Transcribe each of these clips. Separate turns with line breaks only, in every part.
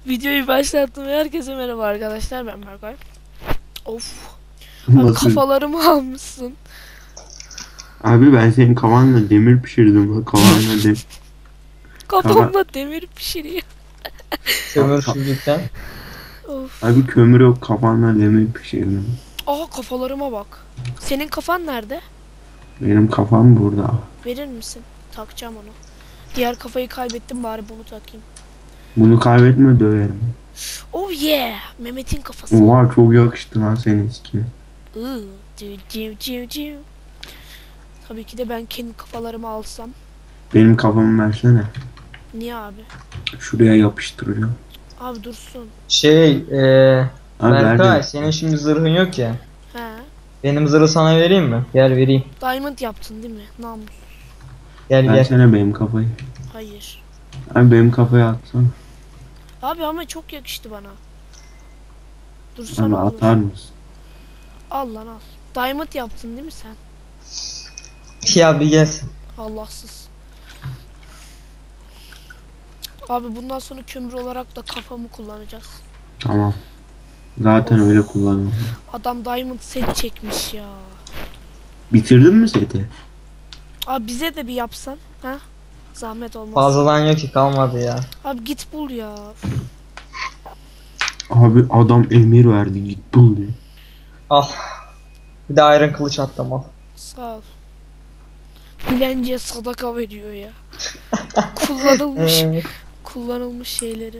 Videoyu başlattım ve herkese merhaba arkadaşlar, ben Berkay. Of. Abi
Nasıl?
kafalarımı almışsın.
Abi ben senin kafanla demir pişirdim. Kafanla demir.
Kafamda demir pişiriyor.
Kömürsüzlükten.
Of.
Abi kömür yok, kafanla demir pişirdim.
Aa, kafalarıma bak. Senin kafan nerede?
Benim kafam burada.
Verir misin? Takacağım onu. Diğer kafayı kaybettim, bari bunu takayım.
Bunu kaybetme, döverim.
Oh yeah. Mehmet'in kafası.
Oha, çok yakıştı lan senin skin.
Ciu. Tabii ki de ben kendi kafalarımı alsam.
Benim kafamı versene.
Niye abi?
Şuraya yapıştırıyorum.
Abi dursun.
Abi
Berkay
verdim.
senin şimdi zırhın yok ya.
He.
Benim zırhı sana vereyim mi? Gel vereyim.
Diamond yaptın değil mi? Namus.
Gel.
Versene benim kafayı.
Hayır.
Abi benim kafaya atsana.
Abi ama çok yakıştı bana.
Abi
Dursana olur.
atar mısın?
Al lan al. Diamond yaptın değil mi sen?
Ya bir gel.
Allahsız. Abi bundan sonra kömür olarak da kafamı kullanacağız.
Tamam. Zaten
Of.
öyle kullanıyorum.
Adam diamond set çekmiş ya.
Bitirdin mi seti?
Abi bize de bir yapsan. Ha? Zahmet olmaz.
Fazladan yok ki kalmadı ya.
Abi git bul ya.
Abi adam emir verdi, git bul diye.
Al. Bir de iron kılıç attım al.
Sağ ol. Dilenciye sadaka veriyor ya. Kullanılmış. Kullanılmış şeyleri.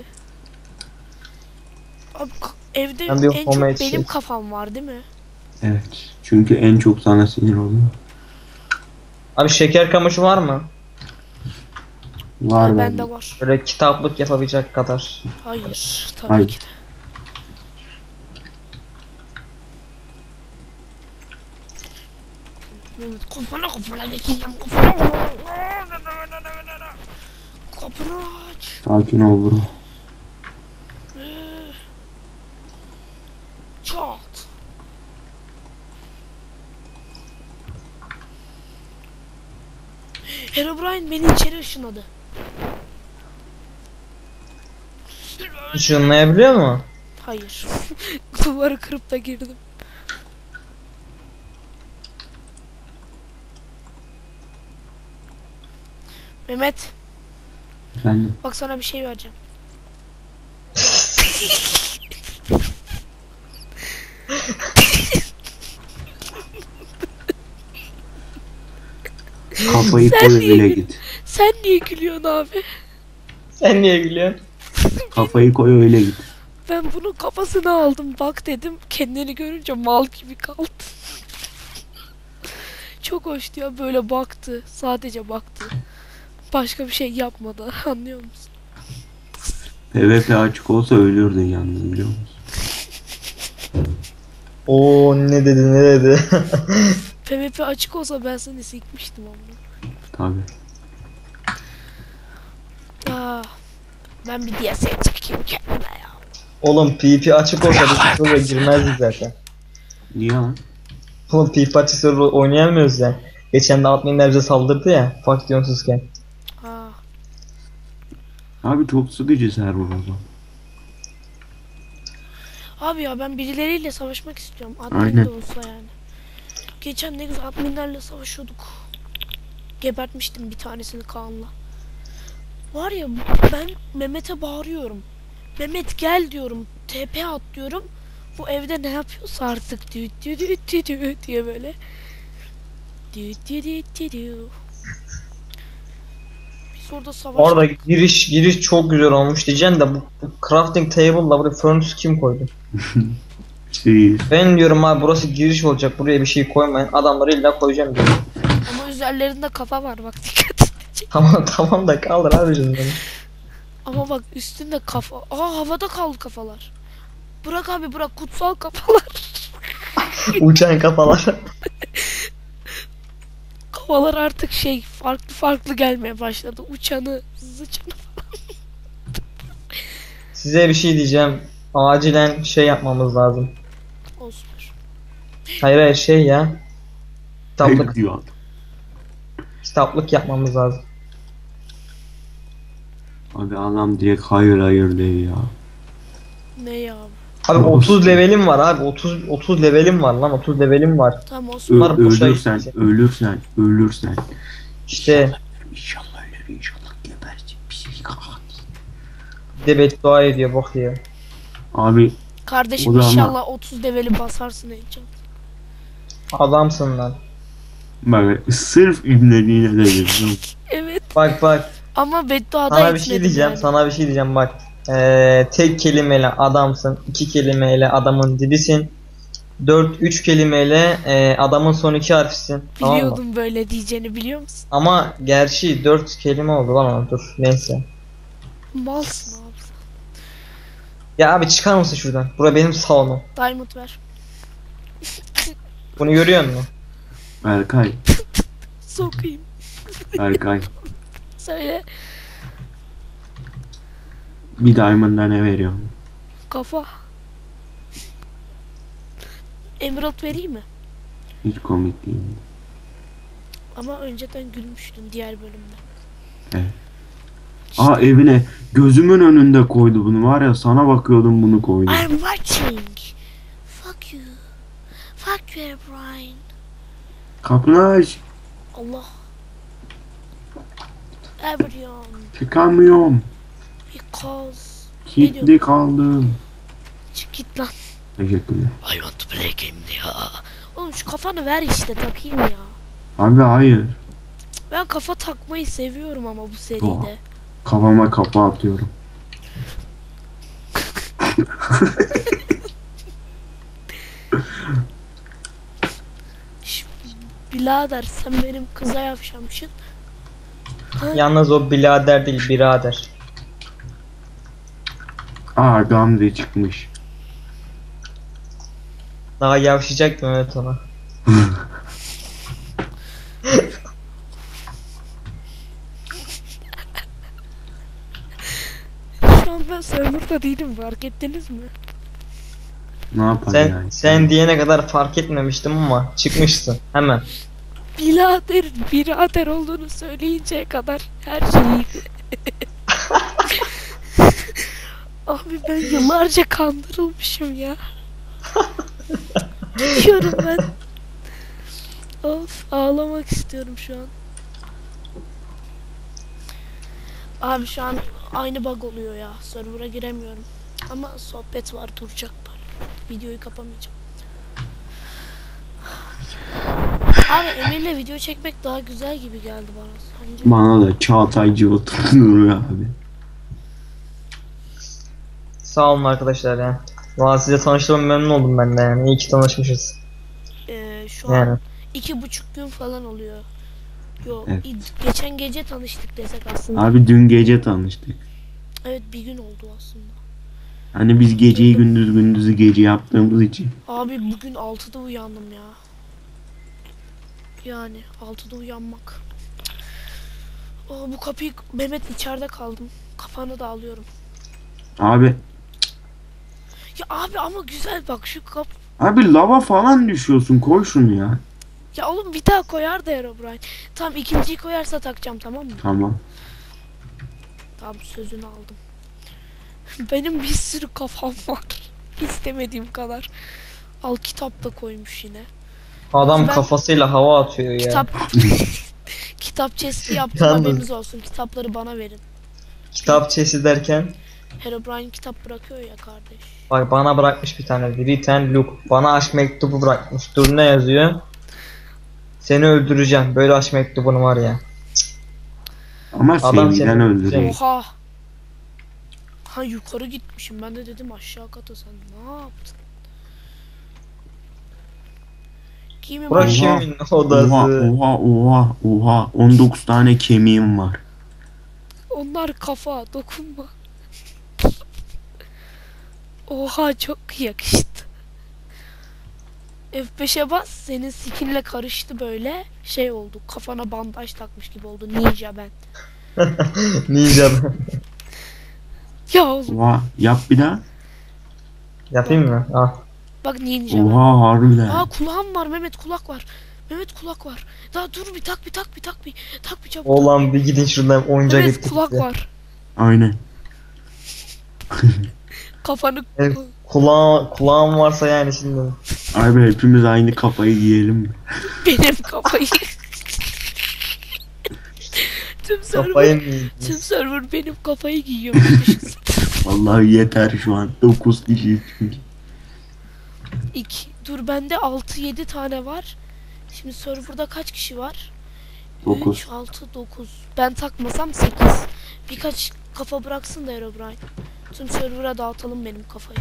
Abi evde
Ben bir
en çok
homemade
benim
şey.
kafam var değil mi?
Evet. Çünkü en çok sana sinir oluyor.
Abi şeker kamışı var mı?
Var
Bende
bende.
var.
Böyle kitaplık yapabilecek kadar.
Hayır. Tabii
Hayır.
ki de. Mehmet kafana geçeceğim, kafana. Kapını aç.
Sakin ol bro.
Çat. Herobrine beni içeri ışınladı.
Işınlayabiliyor mu?
Hayır. Duvarı kırıp da girdim. Mehmet,
Efendim.
bak sana bir şey vereceğim.
Kafayı
Sen
koy
niye
öyle
gül-
git.
Sen niye gülüyorsun abi?
Sen niye gülüyorsun?
Kafayı koy öyle git.
Ben bunun kafasını aldım, bak dedim, kendini görünce mal gibi kaldı. Çok hoştu ya, böyle baktı, sadece baktı. Başka bir şey yapmadı, anlıyor musun?
PvP açık olsa ölürdün yalnız, biliyor musun?
Oo ne dedi.
PvP açık olsa ben seni sikmiştim ama.
Tabi.
Aa, ben bir DS'ye çekeyim kendime ya.
Oğlum PvP açık olsa biz server'a girmezdik zaten.
Niye lan?
Oğlum PvP açık server oynayamıyoruz ya. Geçen de adminler bize saldırdı ya. Faksiyonsuzken.
Aa,
Abi çok sıkıcı server o zaman.
abi ya ben birileriyle savaşmak istiyorum. Admin
Aynen.
de olsa yani. Geçen ne güzel adminlerle savaşıyorduk. Gebertmiştim bir tanesini Kaan'la. Var ya, ben Mehmet'e bağırıyorum. Mehmet gel diyorum. TP at diyorum. Bu evde ne yapıyorsa artık diye böyle. Biz orada savaştık.
Orada giriş çok güzel olmuş diyeceğim de bu crafting table'la buraya furnace kim koydu?
Şey,
Ben diyorum abi burası giriş olacak, buraya bir şey koymayın. Adamları illa koyacağım diyor.
Ama üzerlerinde kafa var, bak dikkat.
Tamam da kaldır abi şimdi.
Ama bak üstünde kafa. Aa, havada kaldı kafalar. Bırak abi, bırak, kutsal kafalar.
Uçan kafalar.
Kafalar artık şey, farklı gelmeye başladı. Uçanı, zıçanı.
Size bir şey diyeceğim. Acilen şey yapmamız lazım.
Olsun.
Hayır şey ya.
hayır diyor adam.
Kitaplık yapmamız lazım.
Abi adam direkt hayır diyor ya.
Ne ya?
Abi 30 levelim var abi. 30 levelim var lan. 30 levelim var.
Tamam olsun.
Bunlar boşa
Ölürsen,
gitmeyecek.
ölürsen.
İşte
İnşallah ölür, inşallah gebersin. Pislik katil.
bir de beddua ediyor bak ya.
Abi
Kardeşim
O da ama-
inşallah 30 develi basarsın heyecan.
Adamsın lan.
bak sırf ibneliğine de dedim.
Evet
Bak.
ama beddua da
Sana bir şey
etmedim
diyeceğim.
yani.
Sana bir şey diyeceğim bak. Tek kelimeyle adamsın. 2 kelimeyle adamın dibisin. 3 kelimeyle adamın son 2 harfisin. Tamam mı?
Biliyordum böyle diyeceğini biliyor musun?
Ama gerçi 4 kelime oldu lan, dur neyse.
Malsın abi.
Ya abi çıkar mısın şuradan? Bura benim salonum.
Diamond ver.
Bunu görüyor musun?
Berkay,
Sokayım.
Berkay.
Söyle.
Bir diamond'a ne veriyorsun?
Kafa. Emerald vereyim mi?
Hiç komik değil.
Ama önceden gülmüştün diğer bölümde.
Evet. Aa evine gözümün önünde koydu bunu, var ya sana bakıyordum bunu koydu.
I'm watching. Fuck you. Fuck you Brian.
Kapını aç.
Allah. Everyone.
Çıkamıyorum.
Because.
Kilitli kaldım.
Çık git lan.
Teşekkürler.
I want to play game ya. Oğlum şu kafanı ver işte takayım ya.
Abi hayır.
Ben kafa takmayı seviyorum ama bu
Oh.
seride.
Kafama kafa atıyorum.
Şş, birader sen benim kıza yapşamışsın.
Yalnız o birader değil, birader.
Aa Gamze çıkmış.
Daha yavşayacak mı Mehmet ona?
Şu an ben serverda değilim fark ettiniz mi?
Ne yapar
Sen
yani?
sen diyene kadar fark etmemiştim ama çıkmışsın hemen.
Birader olduğunu söyleyinceye kadar her şeyi. Abi ben yıllarca kandırılmışım ya. Gidiyorum ben. Of ağlamak istiyorum şu an. Abi şu an aynı bug oluyor ya. Server'a giremiyorum. Ama sohbet var duracak böyle. Videoyu kapamayacağım. Abi Emir'le video çekmek daha güzel gibi geldi bana. Sence?
Bana da Çağatay cıvıtıp duruyor abi.
Sağ olun arkadaşlar ya. Valla size tanıştığıma memnun oldum ben de yani. İyi ki tanışmışız.
Şu an
Yani.
2,5 gün falan oluyor. Yo,
Evet.
geçen gece tanıştık desek aslında.
Abi dün gece tanıştık.
Evet bir gün oldu aslında.
Hani biz geceyi gündüz, gündüzü gece yaptığımız için.
Abi bugün 6'da uyandım ya. Yani 6'da uyanmak. Bu kapıyı Mehmet içeride kaldım. Kapağını da alıyorum.
Abi,
Ya abi ama güzel bak şu kap.
abi lava falan düşüyorsun, koy şunu ya.
Ya oğlum bir daha koyar da Herobrine. Tamam ikinciyi koyarsa takacağım tamam mı?
Tamam.
Tamam sözünü aldım. Benim bir sürü kafam var. İstemediğim kadar. Al kitap da koymuş yine.
Adam
Ben-
kafasıyla hava atıyor ya.
Kitap kitap chest'i yaptım
Yalnız-
haberiniz olsun. Kitapları bana verin.
Kitap çesi derken
Herobrine kitap bırakıyor ya kardeş.
bak bana bırakmış bir tane. Written Luke. Bana aşk mektubu bırakmış. Dur ne yazıyor? Seni öldüreceğim. Böyle aşk mektubun var ya.
Ama
Adam
sevgiden
seni-
öldürüyor.
Oha. Ha yukarı gitmişim. Ben de dedim aşağı kata sen ne yaptın? Kimin
Bırak
var?
kimin
Oha,
odası?
oha. 19 tane kemiğim var.
Onlar kafa dokunma. Oha çok yakıştı. F5'e bas senin skinle karıştı böyle şey oldu kafana bandaj takmış gibi oldu ninja ben.
Ninja.
Ya oğlum
Oha, yap bir daha.
Yapayım mı? Al.
bak ninja ben.
Oha harbiden.
Aa kulağım var Mehmet kulak var. Mehmet kulak var. Daha dur bir tak bir çabuk.
Oğlan bir gidin şuradan oyuncak
Evet
ettik
kulak
bize.
var.
Aynen.
Kafanı
Evet. Kulağım varsa yani şimdi.
Abi hepimiz aynı kafayı giyelim mi?
benim kafayı. tüm
Kafayı
server,
mı yediniz?
tüm server benim kafayı giyiyor. Bir düşünsene.
Vallahi yeter şu an. 9 kişi çünkü.
Dur bende 6-7 tane var. Şimdi serverda kaç kişi var?
9.
3, 6, 9. Ben takmasam 8. Birkaç kafa bıraksın da Herobrine. Tüm server'a dağıtalım benim kafayı.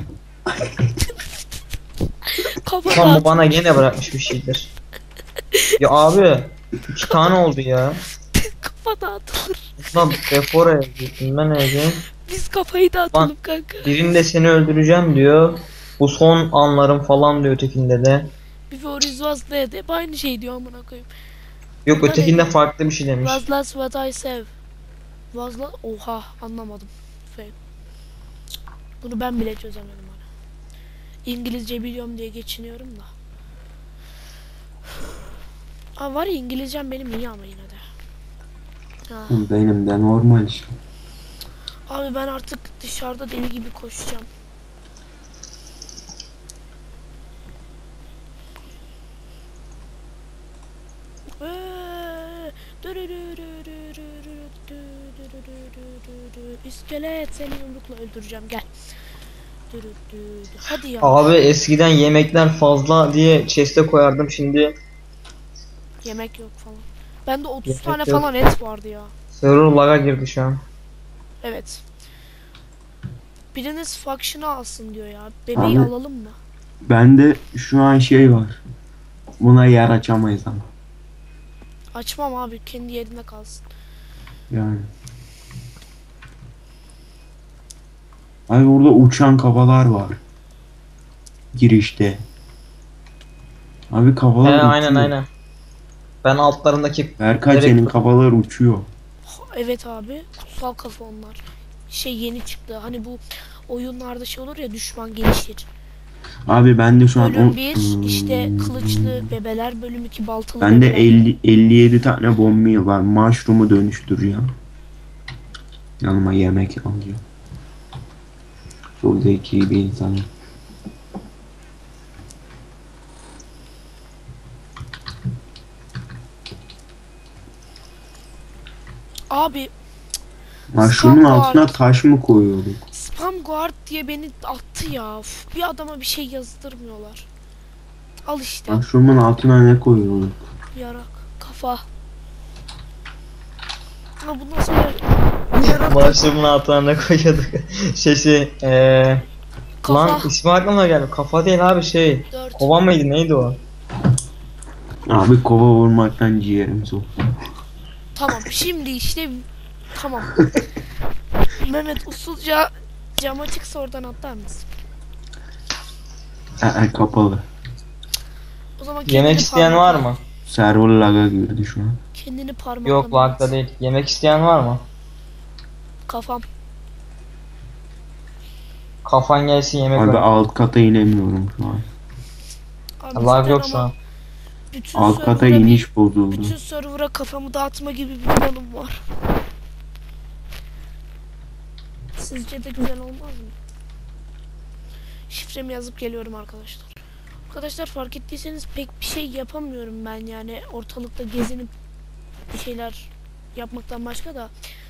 Kafa
Lan bu
dağıt.
bana gene bırakmış bir şeydir. Ya abi 2 tane oldu ya.
Kafa dağıtılır.
Lan Befora'ya gittim ben evde.
Biz kafayı dağıtalım kanka.
Birinde seni öldüreceğim diyor. Bu son anlarım falan diyor ötekinde de.
Before is was dead. Hep aynı şey diyor amına koyayım.
Yok
Buna
ötekinde
ne?
farklı bir şey demiş.
Was last what I said. Oha anlamadım. Fail. Bunu ben bile çözemedim hani. İngilizce biliyorum diye geçiniyorum da. Aa, var ya İngilizcem benim iyi ama yine de. Ha.
Benim de normal işte.
Abi ben artık dışarıda deli gibi koşacağım. İskelet seni yumrukla öldüreceğim gel. Hadi ya.
Abi eskiden yemekler fazla diye chest'e koyardım şimdi.
Yemek yok falan. Bende 30
Yemek
tane
yok.
falan et vardı ya.
Server lag'a girdi şu an.
Evet. Biriniz faction'ı alsın diyor ya. Bebeği
Abi.
alalım mı?
Bende şu an şey var. Buna yer açamayız ama.
Açmam abi kendi yerinde kalsın.
Yani. Abi burada uçan kafalar var. Girişte. Abi kafalar uçuyor.
Aynen. Ben altlarındaki
Berkay
direkt-
senin kafalar uçuyor.
Evet abi. Kutsal kafa onlar. Şey yeni çıktı. Hani bu oyunlarda şey olur ya düşman gelişir.
Abi ben de şu an
Bölüm 1 işte kılıçlı bebeler. Bölüm 2 baltalı
Bende
bebeler.
57 tane bombi var. Mushroom'u dönüştürüyor. Yanıma yemek alıyor. Çok zeki bir insan.
Abi
Mushroom'un
Scum
altına
Guard.
taş mı koyuyorduk?
Spam guard diye beni attı ya. Uf, bir adama bir şey yazdırmıyorlar. Al işte.
Mushroom'un altına ne koyuyorduk?
Yarak. Kafa. Ama bundan sonra yarak
Başlığımın altına ne koyuyorduk? Lan
kafa.
ismi aklıma geldi. Kafa değil abi şey.
4.
Kova mıydı neydi o?
Abi kova vurmaktan ciğerim soğuk.
Tamam şimdi işte tamam. Mehmet usulca cam açıksa oradan atlar mısın?
Kapalı.
O zaman kendini
Yemek isteyen var mı?
Server lag'a girdi şu an.
Kendini parmakla.
Yok lagda değil. Yemek isteyen var mı?
Kafam.
Kafan gelsin yemek
Abi
ver.
alt kata inemiyorum şu an.
Abi
Lag
zaten
yok
ama
şu an.
bütün
Alt kata
server'a
iniş bozuldu.
bütün server'a kafamı dağıtma gibi bir planım var. Sizce de güzel olmaz mı? Şifremi yazıp geliyorum arkadaşlar. Arkadaşlar fark ettiyseniz pek bir şey yapamıyorum ben yani ortalıkta gezinip bir şeyler yapmaktan başka da.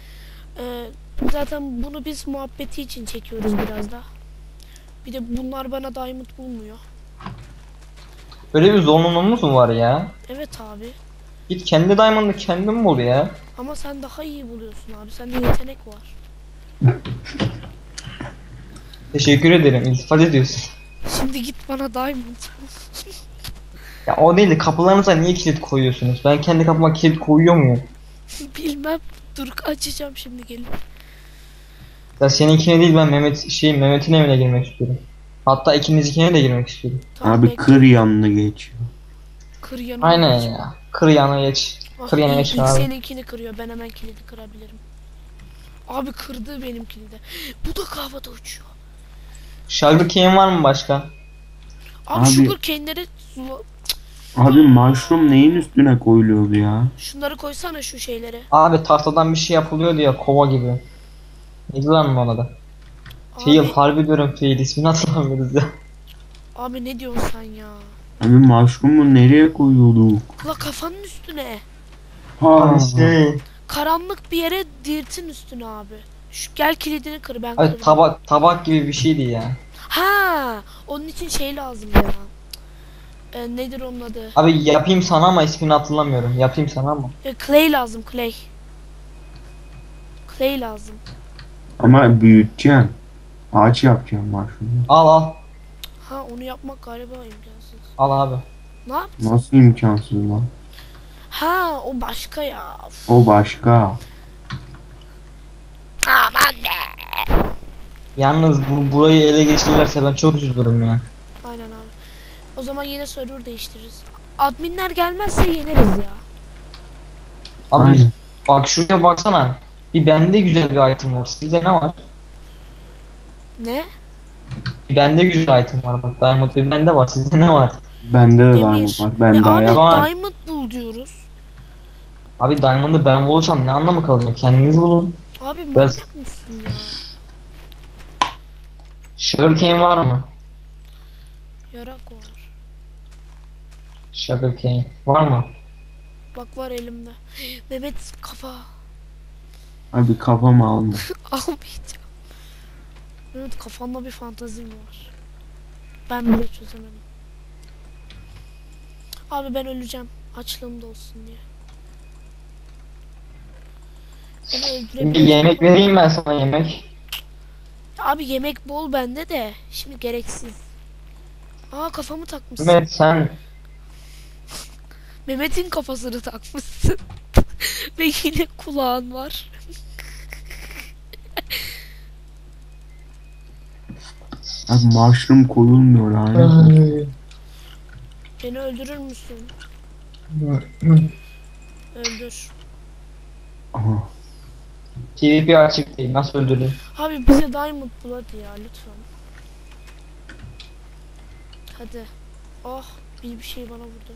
Zaten bunu biz muhabbeti için çekiyoruz biraz da. Bir de bunlar bana diamond bulmuyor.
Böyle bir zorunluluğumuz mu var ya?
Evet abi.
Git kendi diamond'ı kendin bul ya.
Ama sen daha iyi buluyorsun abi. Sende yetenek var.
Teşekkür ederim. İltifat ediyorsun.
Şimdi git bana diamond.
Ya o değil de kapılarınıza niye kilit koyuyorsunuz? Ben kendi kapıma kilit koyuyor muyum?
Bilmem. Dur açacağım şimdi gelin.
Ya seninkine değil ben Mehmet'in evine girmek istiyorum. Hatta ikinizinkine de girmek istiyorum.
Tamam,
Abi
bekle.
kır yanına geçiyor.
Kır yanına
Aynen
geç.
ya. Kır yana geç.
Bak,
Kır yana
ilk
geç abi.
seninkini kırıyor. Ben hemen kilidi kırabilirim. Abi kırdı benimkini de. Bu da kahvada uçuyor.
Sugar cane var mı başka?
Abi,
Abi-
sugar cane'leri
Abi mushroom neyin üstüne koyuluyordu ya?
şunları koysana şu şeylere.
Abi tahtadan bir şey yapılıyordu ya kova gibi. Neydi lan onun adı? Fail
Abi,
harbi diyorum fail ismini hatırlamıyoruz ya.
abi ne diyorsun sen ya?
Abi mushroom'u nereye koyuyorduk?
La kafanın üstüne.
Ha.
Abi şey.
Karanlık bir yere dirtin üstüne abi. Şu gel kilidini kır ben
Abi
kırdım.
tabak gibi bir şeydi ya.
Ha, onun için şey lazım ya. Nedir onun adı?
Abi yapayım sana ama ismini hatırlamıyorum. Yapayım sana ama.
Clay lazım, clay. Clay lazım.
Ama büyüteceksin. Ağaç yapacağım mushroom'u.
Al.
Ha, onu yapmak galiba imkansız.
Al abi.
Ne yaptın?
Nasıl imkansız lan?
Ha, o başka ya. Uf.
O başka.
Aman be.
Yalnız burayı ele geçirirlerse ben çok üzülürüm ya.
Aynen abi. O zaman yine server değiştiririz. Adminler gelmezse yeneriz ya.
Abi
Aynen.
bak şuraya baksana. Bir bende güzel bir item var. Sizde ne var?
Ne?
Bir bende güzel item var bak. Diamond bir bende var. Sizde ne var?
Bende de
Demir.
diamond var. Ben daha
abi
yap.
Var.
diamond bul diyoruz.
Abi Diamond'ı ben bulursam ne anlamı kalacak? Kendiniz bulun.
Abi
Ben-
manyak mısın ya?
Sugarcane var mı?
Yarak var.
Sugarcane var mı?
Bak var elimde. Mehmet kafa.
Abi kafamı alma.
Almayacağım. Mehmet kafanda bir fantazim var. Ben bile çözemedim. Abi ben öleceğim. Açlığımda olsun diye. Beni
Bir
öldürebilirsin.
yemek vereyim ben sana yemek.
Abi yemek bol bende de. Şimdi gereksiz. Aa kafamı takmışsın.
Mehmet sen
Mehmet'in kafasını takmışsın. Ve yine kulağın var.
Abi mushroom koyulmuyor lanet.
Beni öldürür müsün? Öldür.
Aha.
PvP açık değil. Nasıl öldürürüm?
Abi bize diamond bul hadi ya lütfen. Hadi. Oh bir şey bana vurdu.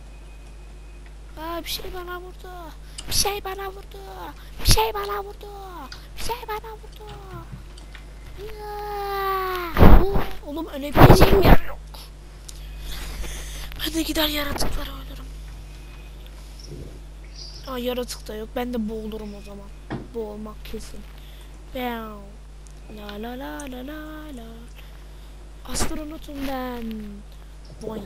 Aa bir şey bana vurdu. Bir şey bana vurdu. Bir şey bana vurdu. Bir şey bana vurdu. Ya. Oğlum ölebileceğim yer yok. Ben de gider yaratıkları öldürürüm. Aa yaratık da yok. Ben de boğulurum o zaman. Boğulmak kesin. Wow. La la la la la la. Astronotum ben. Boing.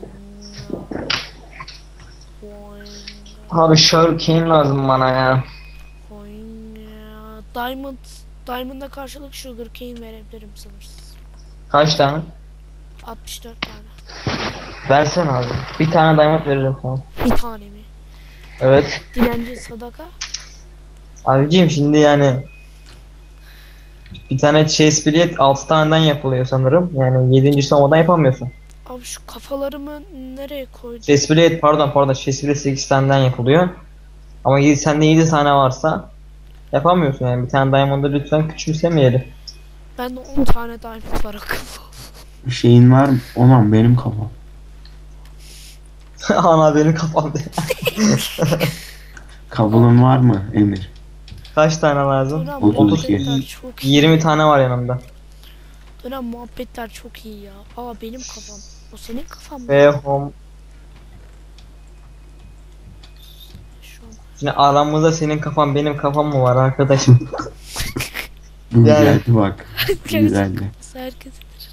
Boing.
Abi Sugarcane lazım bana ya.
Boing. Diamond'a karşılık sugarcane verebilirim sınırsız.
Kaç tane?
64 tane.
Versen abi. Bir tane diamond veririm sana.
Bir tane mi?
Evet.
Dilenci sadaka.
Abiciğim şimdi yani bir tane chest plate 6 taneden yapılıyor sanırım. Yani 7. olmadan yapamıyorsun.
Abi şu kafalarımı nereye koydum?
Chest plate pardon chest plate 8 taneden yapılıyor. Ama sende 7 tane varsa yapamıyorsun yani. Bir tane diamond'ı lütfen küçümsemeyelim.
Bende 10 tane diamond var akıllı.
Şeyin var mı? Olan benim kafam.
Ana benim kafamda.
Kabulün var mı Emir?
Kaç tane lazım?
Dönem
32.
muhabbetler çok iyi.
20 tane var yanımda.
Dönem muhabbetler çok iyi ya. Aa benim kafam. O senin kafan mı?
Ve home.
Şu an.
Şimdi aramızda senin kafan benim kafam mı var arkadaşım?
Bu
Yani-
güzeldi bak. Güzeldi.
Herkes bilir.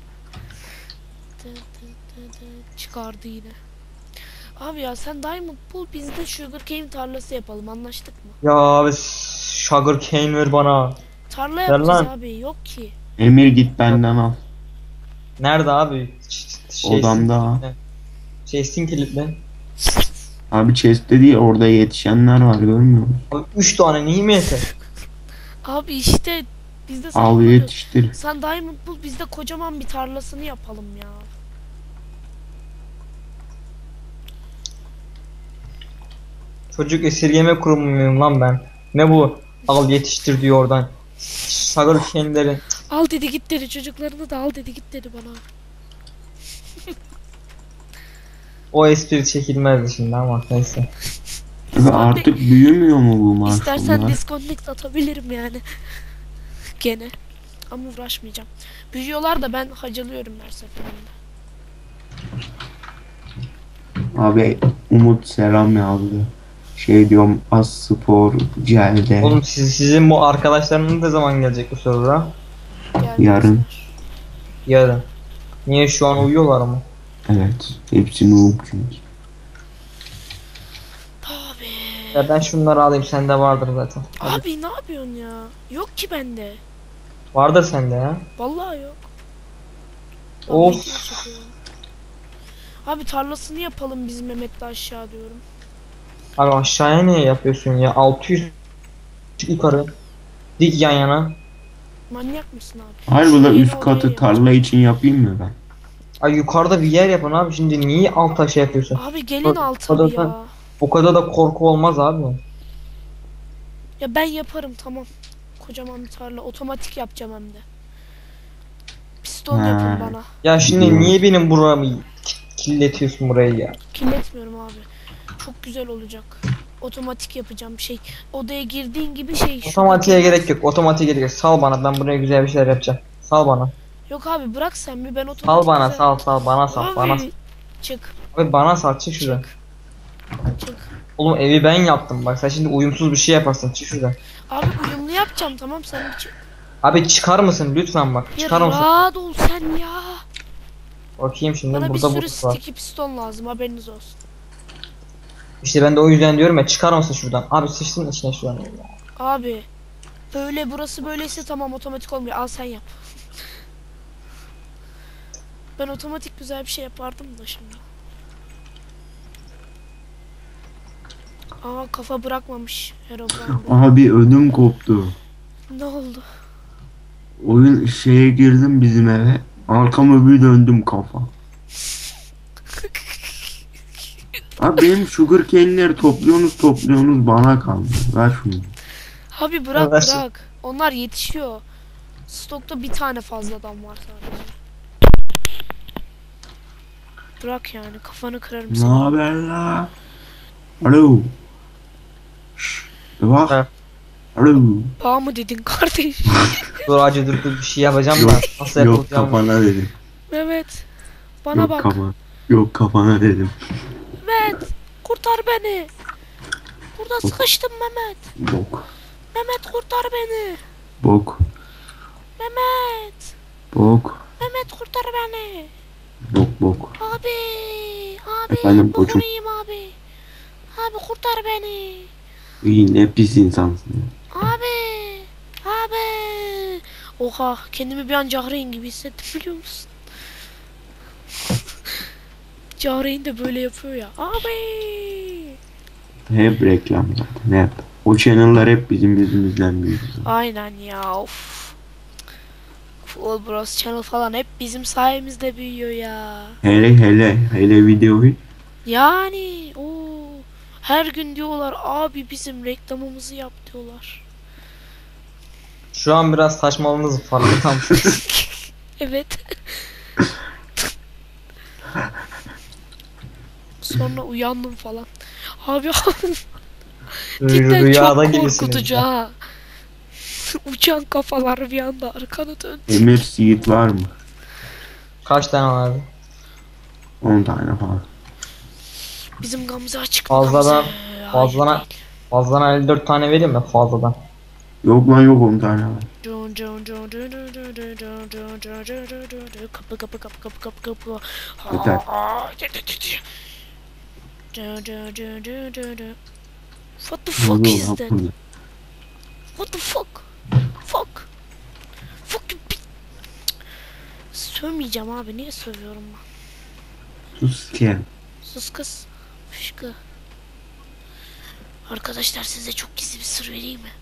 Çıkardı yine. Abi ya sen diamond bul biz de sugarcane tarlası yapalım anlaştık mı?
Ya abi sugarcane ver bana.
Tarla
Ver
yapacağız
lan.
abi yok ki.
Emir git benden al.
Nerede abi?
Odamda.
Chest'in kilitli.
Abi chest'te değil orada yetişenler var görmüyor musun?
Abi 3 tane niye mi yeter?
Abi işte biz de
Al
saçmalıyoruz.
yetiştir.
Sen diamond bul biz de kocaman bir tarlasını yapalım ya.
Çocuk esirgeme kurumu muyum lan ben? Ne bu? Al yetiştir diyor oradan. Sugarcane'leri.
Al dedi git dedi çocuklarını da al dedi git dedi bana.
O espri çekilmezdi şimdi ama neyse.
Abi artık büyümüyor mu bu
İstersen
mushroomlar?
disconnect atabilirim yani. Gene. Ama uğraşmayacağım. Büyüyorlar da ben hacalıyorum her seferinde.
Abi Umut selam yazdı. Şey diyorum az spor celde.
Oğlum sizin bu arkadaşlarınız ne zaman gelecek bu server'a?
Yarın.
Yarın. Niye şu an uyuyorlar mı?
Evet. Hepsi noob çünkü.
Abi.
Ya ben şunları alayım, sende vardır zaten. Hadi.
Abi ne yapıyorsun ya? Yok ki bende.
Vardır sende ya.
Vallahi yok.
Of.
Vallahi çekiyorum. Abi tarlasını yapalım biz Mehmet'le aşağı diyorum.
Abi aşağıya niye yapıyorsun ya? 600 çık yukarı. Dik yan yana.
Manyak mısın abi?
Hayır burada
Yeni
üst
odayı
katı
yap.
tarla için yapayım mı ben?
Ay yukarıda bir yer yapın abi, şimdi niye alta şey yapıyorsun?
Abi gelin
Bak,
altı
o da
bir ya.
O kadar da korku olmaz abi.
Ya ben yaparım tamam. Kocaman bir tarla. Otomatik yapacağım hem de. Piston
Ha.
yapın bana.
Ya şimdi
Biliyorum.
niye benim buramı kirletiyorsun burayı ya?
Kirletmiyorum abi. Çok güzel olacak. Otomatik yapacağım şey. Odaya girdiğin gibi şey. şu
Otomatiğe
makineler-
gerek yok. Otomatiğe gerek yok. Sal bana, ben buraya güzel bir şeyler yapacağım. Sal bana.
Yok abi bırak sen bir ben otomatik.
Sal bana,
güzel-
sal bana sal.
Abi,
Bana sal.
çık
Abi bana sal, çık şuradan.
çık.
Oğlum evi ben yaptım, bak sen şimdi uyumsuz bir şey yaparsın, çık şuradan.
Abi uyumlu yapacağım tamam sen bir çık.
Abi çıkar mısın lütfen, bak
Ya
çıkar mısın?
rahat ol sen ya.
Bakayım şimdi,
Bana bir
burada
sürü
buz var.
sticky piston lazım haberiniz olsun.
İşte ben de o yüzden diyorum ya, çıkar mısın şuradan? Abi sıçtın içine şu an.
Abi böyle burası böyleyse tamam otomatik olmuyor al sen yap. Ben otomatik güzel bir şey yapardım da şimdi. Aa kafa bırakmamış Herobrine.
Abi ödüm koptu.
Ne oldu?
Oyun şeye girdim bizim eve. Arkamı bir döndüm kafa. Abi benim sugar cane'leri topluyorsunuz bana kaldı. Ver şunu.
Abi bırak
Versin.
bırak. Onlar yetişiyor. Stokta bir tane fazladan var sadece. Bırak yani kafanı kırarım
Ne
seni.
haber la? Alo. Şşş. Bak.
Evet.
Alo.
Bağ mı dedin kardeş?
Dur acı, dur bir şey yapacağım
Yok,
da nasıl
Yok
yapacağım?
kafana dedim.
Mehmet. Bana
Yok
bak.
kafa. Yok kafana dedim.
Mehmet. Kurtar beni. Burada sıkıştım Mehmet.
Bok.
Mehmet kurtar beni.
Bok.
Mehmet.
Bok.
Mehmet kurtar beni.
Bok.
Abi. Abi.
Efendim koçum.
Bokunayım abi. Abi kurtar beni.
İyi ne pis insansın.
Abi. Abi. Oha kendimi bir an Cahreyn gibi hissettim biliyor musun? Cahreyn de böyle yapıyor ya. Abi.
Hep reklam zaten hep. O channel'lar hep bizim yüzümüzden büyüdü.
Aynen ya of. Full Bros Channel falan hep bizim sayemizde büyüyor ya.
Hele videoyu.
Yani o her gün diyorlar abi bizim reklamımızı yap diyorlar.
Şu an biraz saçmalığınız farklı tam.
Evet. Sonra uyandım falan. Abi cidden
Rüyada
çok
gibisiniz.
korkutucu
ya.
ha. Uçan kafalar bir anda arkana dön.
Emir Seed var mı?
Kaç tane var abi?
10 tane falan.
Bizim Gamze açık.
Fazladan-
Gamze. Hayır
fazladan-
değil.
Fazladan 54 tane vereyim mi fazladan?
Yok lan yok 10 tane var.
Kapı kapı kapı kapı kapı kapı.
Yeter.
What the fuck
Burada,
is that?
burada.
What the fuck? Fuck. Fuck you bitch. Sövmeyeceğim abi. Niye sövüyorum ben?
Sus ki.
Sus kız. Fışkı. Arkadaşlar size çok gizli bir sır vereyim mi?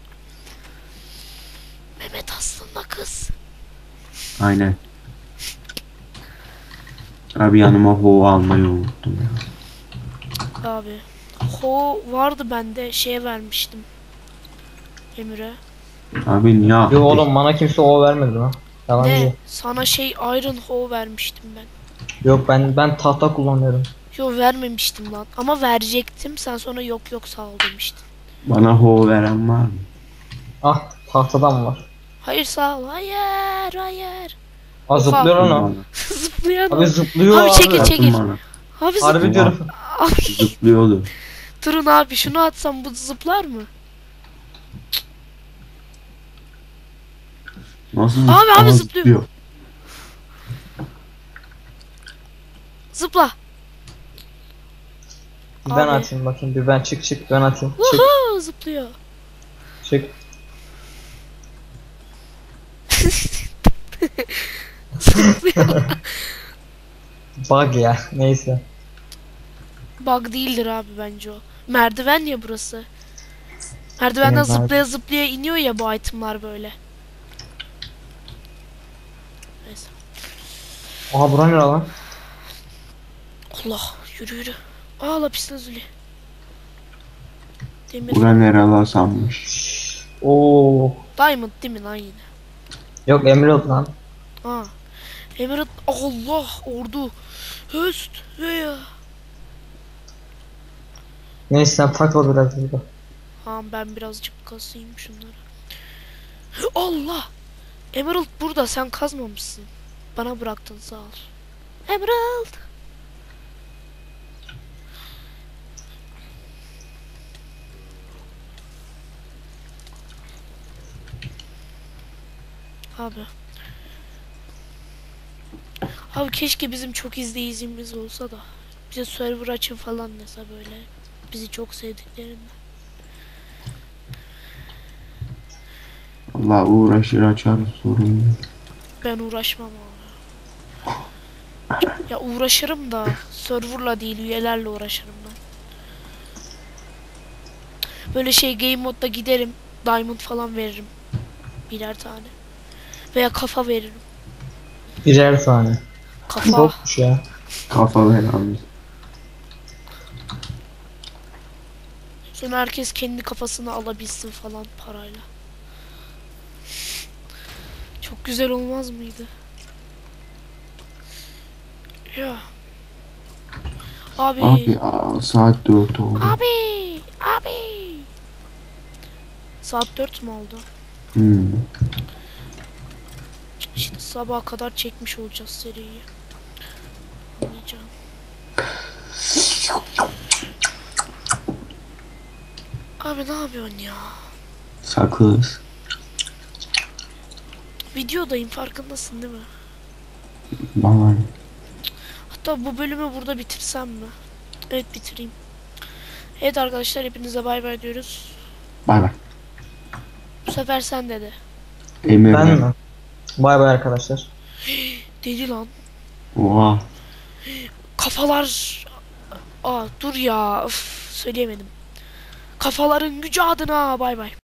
Mehmet aslında kız.
Aynen. Abi yanıma hova almayı unuttum ya.
Abi. Ho vardı bende. Şeye vermiştim. Emir'e.
Abi niye
Yok oğlum bana kimse o vermedi lan. Yalan
Ne?
değil.
Sana şey Iron Ho vermiştim ben.
Yok ben tahta kullanıyorum.
Yo vermemiştim lan. Ama verecektim. Sen sonra yok sağ ol demiştin.
Bana hova veren var mı?
Ah tahtadan var.
Hayır sağ ol. Hayır hayır.
Aa, zıplıyor lan o.
Zıplayan
Abi
o.
zıplıyor
Abi
abi.
çekil, çekil.
Bana.
Abi
Harbi diyorum.
Abi
Zıplıyordu.
durun abi, şunu atsam bu zıplar mı?
Nasıl
Abi,
Aa,
zıplıyor. Zıpla.
Ben
Abi.
atayım bakayım bir, ben çık ben atayım. Çık
Woohoo, zıplıyor.
çık. Bug ya, neyse.
Bug değildir abi bence o. Merdiven ya burası. Merdivenden
Senin
zıplaya zıplaya iniyor ya bu itemlar böyle. Neyse.
Aha bura ne lan?
Allah, yürü yürü. Aa, lapis lazuli. Demir.
Buran nerala sanmış.
Oo.
Diamond değil mi lan yine?
Yok Emerald lan.
Aa. Emerald. Allah, ordu. Höst. Ya.
Neyse sen takıl biraz burada.
Tamam, ben birazcık kasayım şunları. Allah. Emerald burada, sen kazmamışsın. Bana bıraktın, sağ ol. Emerald. Abi. Abi keşke bizim çok izleyicimiz olsa da bize server açın falan dese böyle. Bizi çok sevdiklerinden.
Allah uğraşır açarız sorun yok.
Ben uğraşmam abi. Ya uğraşırım da serverla değil, üyelerle uğraşırım ben. Böyle şey, game modda giderim, diamond falan veririm. Birer tane. Veya kafa veririm.
Birer tane.
Kafa.
Çokmuş ya.
Kafa ver abi.
Sonra herkes kendi kafasını alabilsin falan parayla. Çok güzel olmaz mıydı? Ya. Abi.
Abi saat 4 oldu.
Abi. Abi. Saat 4 mü oldu?
Hmm.
Şimdi sabaha kadar çekmiş olacağız seriyi. Anlayacağım. Abi ne yapıyorsun ya?
Sakız.
Videodayım, farkındasın değil mi?
Bana ne?
Hatta bu bölümü burada bitirsem mi? Evet, bitireyim. Evet arkadaşlar, hepinize bay bay diyoruz.
Bay bay.
Bu sefer sen dedi.
Emir
Ben
ver.
mi? Bay bay arkadaşlar.
Dedi lan.
Oha.
Kafalar... Aa dur ya. Öf, söyleyemedim. Kafaların gücü adına bay bay.